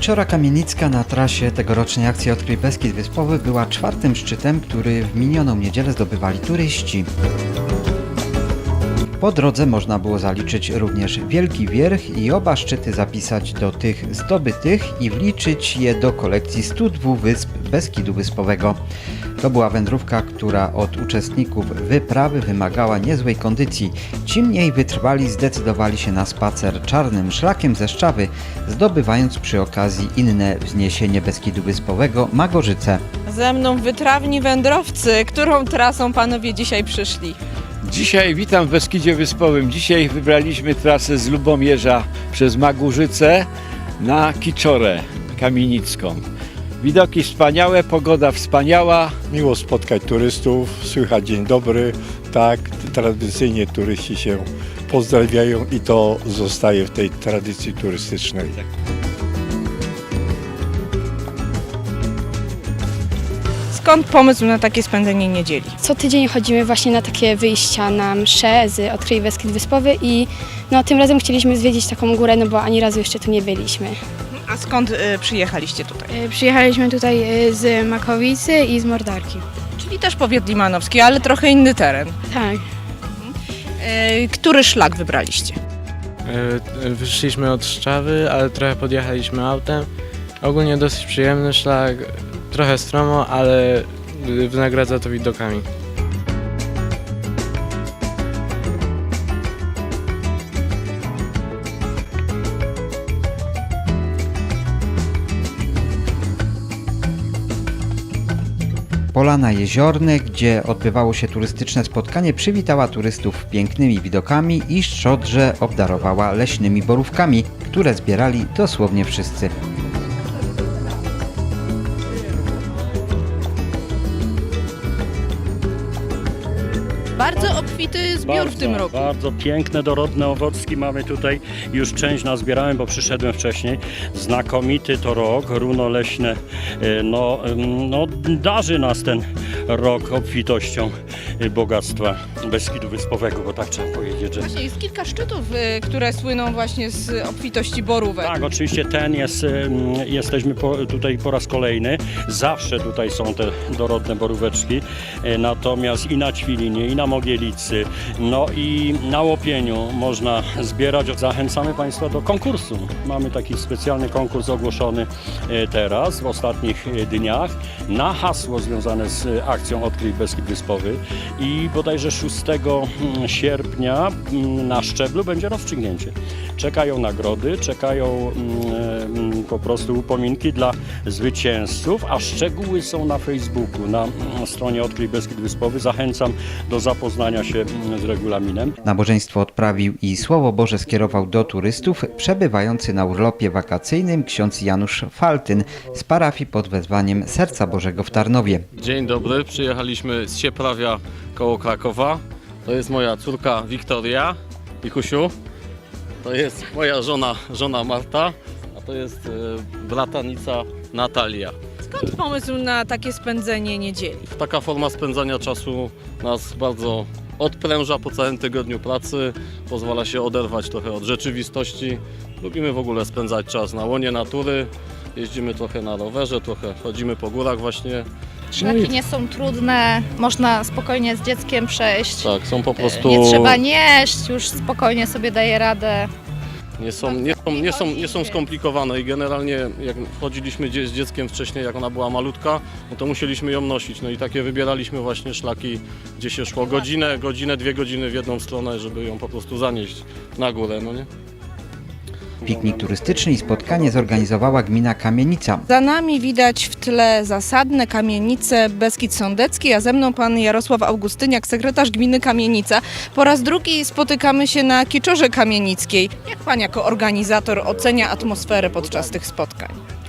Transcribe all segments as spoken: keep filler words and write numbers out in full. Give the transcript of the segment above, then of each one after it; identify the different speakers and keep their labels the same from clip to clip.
Speaker 1: Kiczora Kamienicka na trasie tegorocznej akcji Odkryj Beskid Wyspowy była czwartym szczytem, który w minioną niedzielę zdobywali turyści. Po drodze można było zaliczyć również Wielki Wierch i oba szczyty zapisać do tych zdobytych i wliczyć je do kolekcji stu dwóch wysp Beskidu Wyspowego. To była wędrówka, która od uczestników wyprawy wymagała niezłej kondycji. Ci mniej wytrwali zdecydowali się na spacer czarnym szlakiem ze Szczawy, zdobywając przy okazji inne wzniesienie Beskidu Wyspowego – Magorzyce.
Speaker 2: Ze mną wytrawni wędrowcy. Którą trasą panowie dzisiaj przyszli?
Speaker 3: Dzisiaj witam w Beskidzie Wyspowym. Dzisiaj wybraliśmy trasę z Lubomierza przez Magórzyce na Kiczorę Kamienicką. Widoki wspaniałe, pogoda wspaniała.
Speaker 4: Miło spotkać turystów, słychać dzień dobry. Tak, tradycyjnie turyści się pozdrawiają i to zostaje w tej tradycji turystycznej.
Speaker 2: Skąd pomysł na takie spędzenie niedzieli?
Speaker 5: Co tydzień chodzimy właśnie na takie wyjścia na msze z Odkryj Beskid Wyspowy i no, tym razem chcieliśmy zwiedzić taką górę, no bo ani razu jeszcze tu nie byliśmy.
Speaker 2: A skąd y, przyjechaliście tutaj?
Speaker 5: Przyjechaliśmy tutaj z Makowicy i z Mordarki.
Speaker 2: Czyli też powiat limanowski, ale trochę inny teren.
Speaker 5: Tak.
Speaker 2: Y, który szlak wybraliście?
Speaker 6: Wyszliśmy od Szczawy, ale trochę podjechaliśmy autem. Ogólnie dosyć przyjemny szlak, trochę stromo, ale wynagradza to widokami.
Speaker 1: Polana Jeziorne, gdzie odbywało się turystyczne spotkanie, przywitała turystów pięknymi widokami i szczodrze obdarowała leśnymi borówkami, które zbierali dosłownie wszyscy.
Speaker 2: Bardzo obfity zbiór
Speaker 7: bardzo,
Speaker 2: w tym roku.
Speaker 7: Bardzo piękne, dorodne owocki mamy tutaj. Już część nazbierałem, bo przyszedłem wcześniej. Znakomity to rok, runo leśne. No, no, darzy nas ten rok obfitością bogactwa Beskidu Wyspowego, bo tak trzeba powiedzieć, że...
Speaker 2: Właśnie jest kilka szczytów, y, które słyną właśnie z obfitości borówek.
Speaker 7: Tak, oczywiście ten jest, jesteśmy po, tutaj po raz kolejny. Zawsze tutaj są te dorodne boróweczki, natomiast i na Ćwilinie, i na Mogielicy, no i na Łopieniu można zbierać. Zachęcamy Państwa do konkursu. Mamy taki specjalny konkurs ogłoszony teraz, w ostatnich dniach, na hasło związane z akcją Odkryj Beskid Wyspowy i bodajże szóstego sierpnia na szczeblu będzie rozstrzygnięcie. Czekają nagrody, czekają mm, po prostu upominki dla zwycięzców, a szczegóły są na Facebooku, na stronie Odkryj Beskid Wyspowy. Zachęcam do zapoznania się z regulaminem.
Speaker 1: Nabożeństwo odprawił i Słowo Boże skierował do turystów przebywający na urlopie wakacyjnym ksiądz Janusz Faltyn z parafii pod wezwaniem Serca Bożego w Tarnowie.
Speaker 8: Dzień dobry, przyjechaliśmy z Sieprawia koło Krakowa. To jest moja córka Wiktoria, Wikusiu. To jest moja żona, żona Marta, a to jest y, bratanica Natalia.
Speaker 2: Skąd pomysł na takie spędzenie niedzieli?
Speaker 8: Taka forma spędzania czasu nas bardzo odpręża po całym tygodniu pracy, pozwala się oderwać trochę od rzeczywistości. Lubimy w ogóle spędzać czas na łonie natury, jeździmy trochę na rowerze, trochę chodzimy po górach właśnie.
Speaker 9: Szlaki nie są trudne, można spokojnie z dzieckiem przejść.
Speaker 8: Tak, są po prostu...
Speaker 9: Nie trzeba nieść, już spokojnie sobie daje radę.
Speaker 8: Nie są, nie, są, nie, są, nie są skomplikowane i generalnie jak chodziliśmy gdzieś z dzieckiem wcześniej, jak ona była malutka, no to musieliśmy ją nosić. No i takie wybieraliśmy właśnie szlaki, gdzie się szło godzinę, godzinę, dwie godziny w jedną stronę, żeby ją po prostu zanieść na górę, no nie?
Speaker 1: Piknik turystyczny i spotkanie zorganizowała gmina Kamienica.
Speaker 2: Za nami widać w tle zasadne kamienice Beskid Sądecki, a ze mną pan Jarosław Augustyniak, sekretarz gminy Kamienica. Po raz drugi spotykamy się na Kiczorze Kamienickiej. Jak pan jako organizator ocenia atmosferę podczas tych spotkań?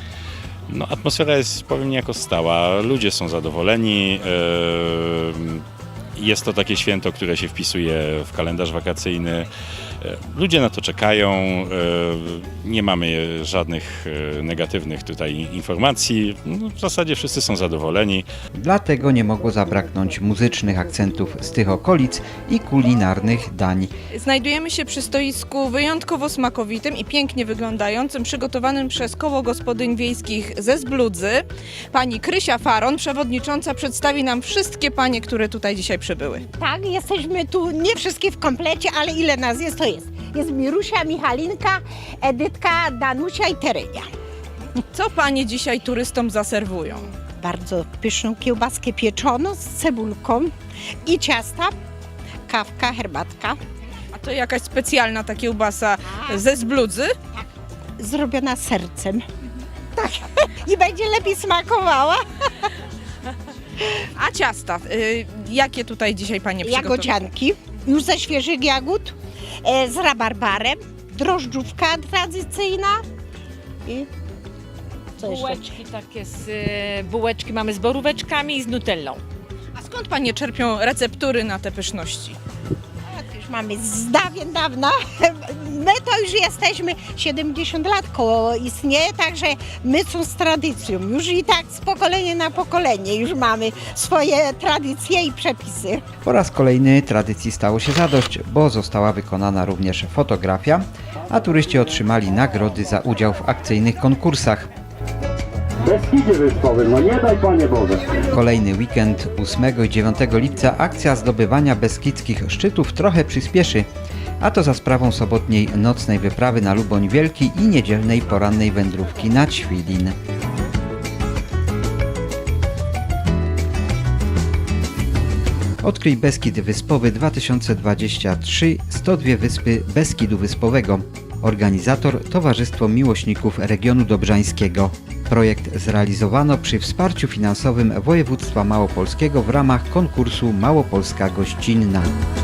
Speaker 10: No, atmosfera jest, powiem, niejako stała. Ludzie są zadowoleni. Jest to takie święto, które się wpisuje w kalendarz wakacyjny. Ludzie na to czekają, e, nie mamy żadnych e, negatywnych tutaj informacji. No, w zasadzie wszyscy są zadowoleni.
Speaker 1: Dlatego nie mogło zabraknąć muzycznych akcentów z tych okolic i kulinarnych dań.
Speaker 2: Znajdujemy się przy stoisku wyjątkowo smakowitym i pięknie wyglądającym, przygotowanym przez Koło Gospodyń Wiejskich ze Zbludzy. Pani Krysia Faron, przewodnicząca, przedstawi nam wszystkie panie, które tutaj dzisiaj przybyły.
Speaker 11: Tak, jesteśmy tu nie wszystkie w komplecie, ale ile nas jest, to jest. Jest Mirusia, Michalinka, Edytka, Danusia i Terenia.
Speaker 2: Co panie dzisiaj turystom zaserwują?
Speaker 11: Bardzo pyszną kiełbaskę pieczoną z cebulką i ciasta, kawka, herbatka.
Speaker 2: A to jakaś specjalna ta kiełbasa ze Zbludzy?
Speaker 11: Zrobiona sercem. Tak, i będzie lepiej smakowała.
Speaker 2: A ciasta, y, jakie tutaj dzisiaj panie przygotowały?
Speaker 11: Jagodzianki, już ze świeżych jagód, e, z rabarbarem, drożdżówka tradycyjna i co jeszcze?
Speaker 12: Bułeczki takie z y, bułeczki mamy z boróweczkami i z nutellą.
Speaker 2: A skąd panie czerpią receptury na te pyszności?
Speaker 11: Już mamy z dawien dawna. My to już jesteśmy siedemdziesiąt lat koło istnieje, także my są z tradycją. Już i tak z pokolenia na pokolenie już mamy swoje tradycje i przepisy.
Speaker 1: Po raz kolejny tradycji stało się zadość, bo została wykonana również fotografia, a turyści otrzymali nagrody za udział w akcyjnych konkursach.
Speaker 13: Beskidzie Wyspowym, no nie daj Panie Boże.
Speaker 1: Kolejny weekend ósmego i dziewiątego lipca akcja zdobywania beskidzkich szczytów trochę przyspieszy, a to za sprawą sobotniej nocnej wyprawy na Luboń Wielki i niedzielnej porannej wędrówki na Ćwilin. Odkryj Beskid Wyspowy dwa tysiące dwudziesty trzeci sto dwie wyspy Beskidu Wyspowego. Organizator Towarzystwo Miłośników Regionu Dobrzańskiego. Projekt zrealizowano przy wsparciu finansowym województwa małopolskiego w ramach konkursu Małopolska Gościnna.